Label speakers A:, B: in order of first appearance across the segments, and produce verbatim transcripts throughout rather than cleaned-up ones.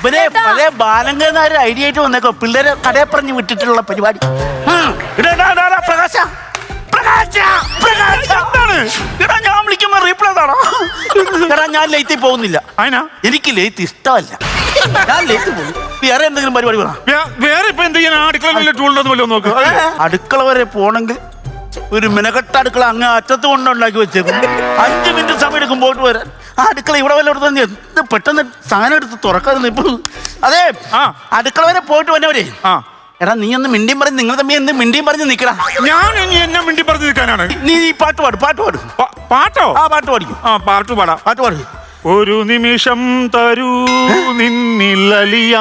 A: ഇവരെ പഴയ ബാലങ്കനാര് ഐഡിയ ആയിട്ട് വന്നേക്കോ. പിള്ളേരെ കടയെ പറഞ്ഞ് വിട്ടിട്ടുള്ള പരിപാടി. പ്രകാശ എടാ ഞാൻ വിളിക്കുമ്പോ റീപ്ലേ ആണോ? എടാ ഞാൻ ലേറ്റിൽ പോകുന്നില്ല. എനിക്ക് ലേറ്റ് ഇഷ്ടമല്ല. ഞാൻ ലേറ്റ് പോകും. വേറെ എന്തെങ്കിലും പരിപാടി വേണം.
B: വേറെ ഇപ്പൊ എന്തെങ്കിലും
A: അടുക്കള വരെ പോണെങ്കിൽ ഒരു മിനക്കെട്ട അടുക്കള അങ്ങ് അറ്റത്ത് കൊണ്ടുണ്ടാക്കി വെച്ചേക്കും. അഞ്ചു മിനിറ്റ് സമയം എടുക്കും പോയിട്ട് വരാൻ. ആ അടുക്കള ഇവിടെ വല്ല എടുത്ത് എന്ത് പെട്ടെന്ന് സാധനം എടുത്ത് തുറക്കാറുണ്ട് ഇപ്പൊ. അതെ അടുക്കള വരെ പോയിട്ട് വന്നവരെ എടാ നീ ഒന്ന് മിണ്ടിയും പറഞ്ഞ് നിങ്ങൾ തമ്മിൽ എന്ത് മിണ്ടിയും പറഞ്ഞ് നിക്കടാ.
B: ഞാൻ എന്നെ മിണ്ടി പറഞ്ഞു നിൽക്കാനാണ്.
A: നീ ഈ പാട്ട് പാടും. പാട്ട് പാടും.
B: പാട്ടോ?
A: ആ പാട്ട് പാടിക്കും.
B: ആ പാട്ട് പാടാം.
A: പാട്ട് പാടും.
B: ഒരു നിമിഷം തരൂ നിന്നിലലിയ.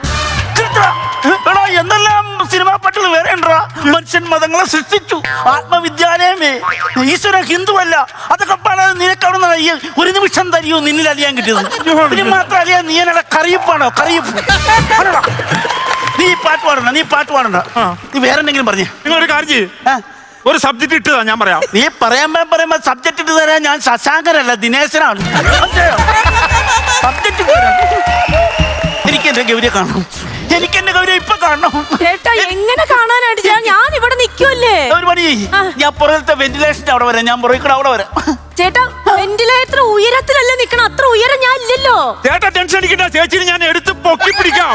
A: എടാ എന്തെല്ലാം സിനിമാ പാട്ടുകൾ വേറെ ഉണ്ടോ? മനുഷ്യൻ മതങ്ങളെ സൃഷ്ടിച്ചു. ആത്മവിദ്യാലയമേ ഈശ്വര ഹിന്ദുവല്ല. അതൊക്കെ പാടാതെ നിനക്കവിടുന്ന ഈ ഒരു നിമിഷം തരിയോ നിന്നിൽ അലിയാൻ കിട്ടിയത്. ഇതിന് മാത്രം അലിയാൻ നീ എന്നടാ കറിയപ്പാണോ? കറിയപ്പ്. നീ പാട്ട് പാടണ്ട. നീ പാട്ട് പാടണ്ട. നീ വേറെ എന്തെങ്കിലും പറഞ്ഞേ.
B: നിങ്ങളൊരു കാര്യം ചെയ്യ്. ഒരു സബ്ജക്ട് ഇട്ടതാ ഞാൻ പറയാം.
A: നീ പറയാൻ പറയുമ്പോ സബ്ജക്ട് ഇട്ട് തരാൻ ഞാൻ ശശാങ്കരല്ല ദിനേശനാണ്. സബ്ജക്ട് എനിക്ക് എന്റെ ഗൗരിയെ കാണണം. എനിക്ക് എന്റെ ഗൗരിയെ ഇപ്പൊ കാണണം.
C: എങ്ങനെ കാണാനായിട്ട്? ഞാൻ ഇവിടെ നിൽക്കുമല്ലേ.
A: ഒരു പണി ഞാൻ പുറത്തെ വെന്റിലേഷന്റെ അവിടെ വരാം. ഞാൻ പുറകെ അവിടെ വരാം.
C: ചേട്ടാ വെന്റിലേറ്റർ ഉയരത്തിലല്ലേ നിക്കണം. അത്ര ഉയരം ഞാൻ ഇല്ലല്ലോ.
B: ചേട്ടാ ടെൻഷൻ അടിക്കണ്ട. ചേച്ചിനെ ഞാൻ എടുത്ത് പൊക്കി പിടിക്കാം.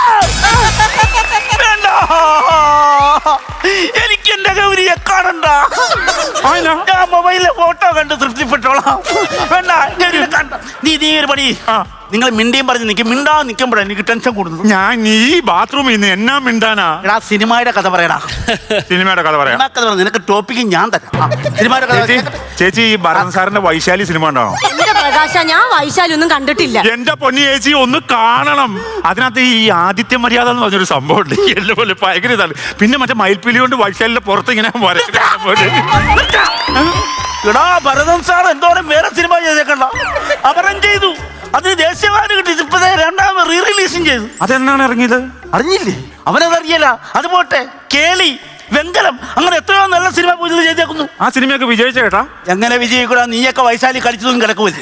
A: എനിക്ക് എന്റെ ഗൗരിയെ കാണണ്ട. ഞാൻ മൊബൈലിലെ ഫോട്ടോ കണ്ട് തൃപ്തിപ്പെട്ടോളാം. വേണ്ട കണ്ട. നീ നീ ഒരു പണി. നിങ്ങൾ മിണ്ടിയും പറഞ്ഞ് നിൽക്കും. മിണ്ടാ നിൽക്കുമ്പോഴാണ് എനിക്ക് ടെൻഷൻ കൂടുന്നത്.
B: ഞാൻ ഈ ബാത്റൂമിൽ നിന്ന് എന്നാ മിണ്ടാനാ?
A: എടാ സിനിമയുടെ കഥ പറയടാ.
B: സിനിമയുടെ കഥ പറയാം.
A: കഥ പറ. നിനക്ക് ടോപ്പിക്ക് ഞാൻ തരാം. സിനിമയുടെ കഥ.
B: ചേച്ചി ഈ ഭരതൻ സാറിന്റെ വൈശാലി സിനിമ ഉണ്ടാണോ?
C: എന്റെ പ്രകാശ ഞാൻ വൈശാലി ഒന്നും കണ്ടിട്ടില്ല.
B: എന്റെ പൊന്നി ചേച്ചി ഒന്ന് കാണണം. അതിനകത്ത് ഈ ആദിത്യ മര്യാദ എന്ന് പറഞ്ഞൊരു സംഭവം ഉണ്ട്. എന്നെ പോലെ ഭയങ്കര ഇതാണ്. പിന്നെ മറ്റേ മയിൽപ്പീലി കൊണ്ട് വൈശാലിന്റെ പുറത്ത് ഇങ്ങനെ
A: എടാ ഭരതൻ സാർ എന്തോരം വേറെ സിനിമ ചെയ്തേക്കണ്ട. അപരം ചെയ്തു. അതിന് ദേശീയവാദം കിട്ടി. ഇപ്പഴേ രണ്ടാമത് റീ റിലീസും ചെയ്തു.
B: അതെന്നാണ് ഇറങ്ങിയത്?
A: അറിഞ്ഞില്ലേ? അവനതറിയല. അത് പോട്ടെ. കേളി, വെങ്കലം, അങ്ങനെ എത്രയോ നല്ല സിനിമ പുതിയത് ചെയ്തേക്കുന്നു.
B: ആ സിനിമയൊക്കെ വിജയിച്ച കേട്ടാ.
A: എങ്ങനെ വിജയിക്കൂടാ? നീയൊക്കെ വൈശാലി കളിച്ചതും കിടക്കുമല്ലേ.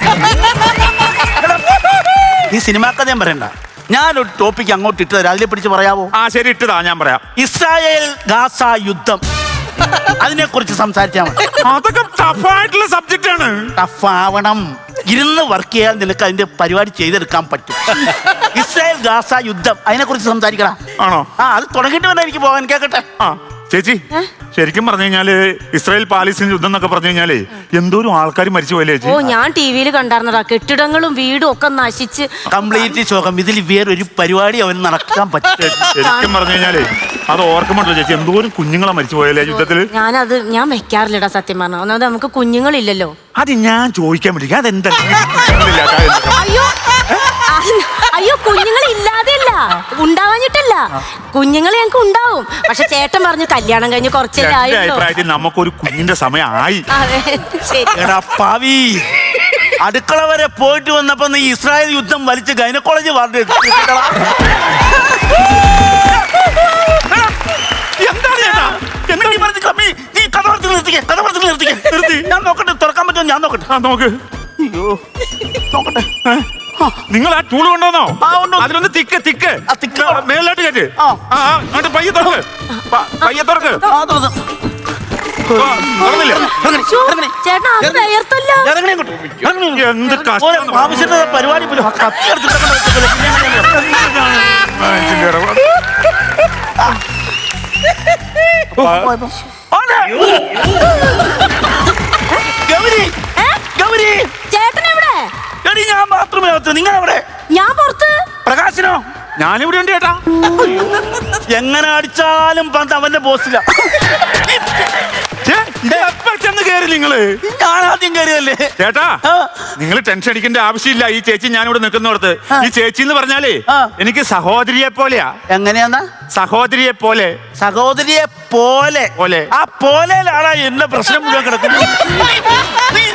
A: ഈ സിനിമാ കഥയും പറയണ്ട. ഞാനൊരു ടോപ്പിക്ക് അങ്ങോട്ട് ഇട്ടു തരാം. അതിനെ പിടിച്ച് പറയാവോ?
B: ആ ശരി ഇട്ടതാ ഞാൻ പറയാം.
A: ഇസ്രായേൽ ഗാസ യുദ്ധം. അതിനെ കുറിച്ച് സംസാരിച്ചാൽ മതി.
B: അതൊക്കെ ടഫായിട്ടുള്ള സബ്ജക്റ്റ് ആണ്.
A: ടഫ് ആവണം. ഇരുന്ന് വർക്ക് ചെയ്യാൻ നിനക്ക് അതിന്റെ പരിപാടി ചെയ്തെടുക്കാൻ പറ്റും. ഇസ്രായേൽ ഗാസ യുദ്ധം അതിനെ കുറിച്ച് സംസാരിക്കണം.
B: ആണോ?
A: ആ അത് തുടങ്ങിയിട്ട് വേണം എനിക്ക് പോകാൻ. കേക്കട്ടെ.
B: ആ ചേച്ചി ശരിക്കും പറഞ്ഞു കഴിഞ്ഞാല് ഇസ്രായേൽ പാലസ്തീൻ യുദ്ധം എന്നൊക്കെ പറഞ്ഞു കഴിഞ്ഞാല് എന്തോരം ആൾക്കാർ മരിച്ചു പോയല്ലേ ചേച്ചി?
C: ഓ ഞാൻ ടി വിയിൽ കണ്ടായിരുന്നടാ. കെട്ടിടങ്ങളും വീടും ഒക്കെ നശിച്ച്
A: കംപ്ലീറ്റ് ശോകം. ഇതിൽ വേറൊരു പരിപാടി അവന് നടക്കാൻ പറ്റും.
B: ശരിക്കും പറഞ്ഞു കഴിഞ്ഞാല് അത് ഓർക്കുമ്പോഴോ ചേച്ചി എന്തോരം കുഞ്ഞുങ്ങളെ മരിച്ചു പോയല്ലേ യുദ്ധത്തില്?
C: ഞാനത് ഞാൻ വെക്കാറില്ലടാ സത്യം പറഞ്ഞ. ഒന്നാമത് നമുക്ക് കുഞ്ഞുങ്ങളില്ലല്ലോ.
B: അത് ഞാൻ ചോദിക്കാൻ പറ്റില്ല. അതെന്താ?
C: അയ്യോ അയ്യോ കുഞ്ഞുങ്ങൾ ഇല്ലാതെയല്ല, ഉണ്ടാവാഞ്ഞിട്ടല്ല. കുഞ്ഞുങ്ങൾ ഞങ്ങൾക്ക് ഉണ്ടാവും. പക്ഷെ ചേട്ടൻ പറഞ്ഞു കല്യാണം കഴിഞ്ഞ് കുറച്ചല്ലേ ആയുള്ളൂ.
B: അഭിപ്രായത്തിൽ നമുക്കൊരു കുഞ്ഞിന്റെ സമയമായി.
A: എടാ പാവി, അടുക്കള വരെ പോയിട്ട് വന്നപ്പോ നീ ഇസ്രായേൽ യുദ്ധം വലിച്ച് ഗൈനക്കോളജി വാർഡ് ഞാൻ നോക്കട്ടെ. തുറക്കാൻ പറ്റുമോ? ഞാൻ നോക്കട്ടെ.
B: നോക്ക്.
A: അയ്യോ നോക്കട്ടെ.
B: നിങ്ങൾ ആ ടൂള് കൊണ്ടുവന്നോ? അതിലൊന്ന് തിക്ക് തിക്ക് മേലോട്ട് കയറ്റ്. അങ്ങോട്ട് പയ്യെ തുറക്ക്. പയ്യെ തുറക്ക്. എന്ത്
A: ആവശ്യത്തെ പരിപാടി ഗൗരി ഗൗരി
C: ചേട്ടനെവിടെ?
A: ഞാൻ ബാത്റൂമിനകത്ത്. നിങ്ങൾ എവിടെ?
C: ഞാൻ പുറത്ത്.
A: പ്രകാശനോ?
B: ഞാനിവിടെ ഉണ്ട് ചേട്ടാ.
A: എങ്ങനെ അടിച്ചാലും പന്ത് അവന്റെ ബോസില.
B: ചെന്ന് കയറി നിങ്ങള്.
A: ഞാൻ ആദ്യം കയറിയല്ലേ
B: ചേട്ടാ. നിങ്ങൾ ടെൻഷൻ അടിക്കേണ്ട ആവശ്യമില്ല. ഈ ചേച്ചി ഞാനിവിടെ നിൽക്കുന്നിടത്ത് ഈ ചേച്ചി എന്ന് പറഞ്ഞാലേ എനിക്ക് സഹോദരിയെ പോലെയാ.
A: എങ്ങനെയാന്നാ?
B: സഹോദരിയെ പോലെ.
A: സഹോദരിയെ പോലെ പോലെ ആ പോലെയിലാണ് എന്റെ പ്രശ്നം മുഴുവൻ കിടക്കുന്നത്. നീ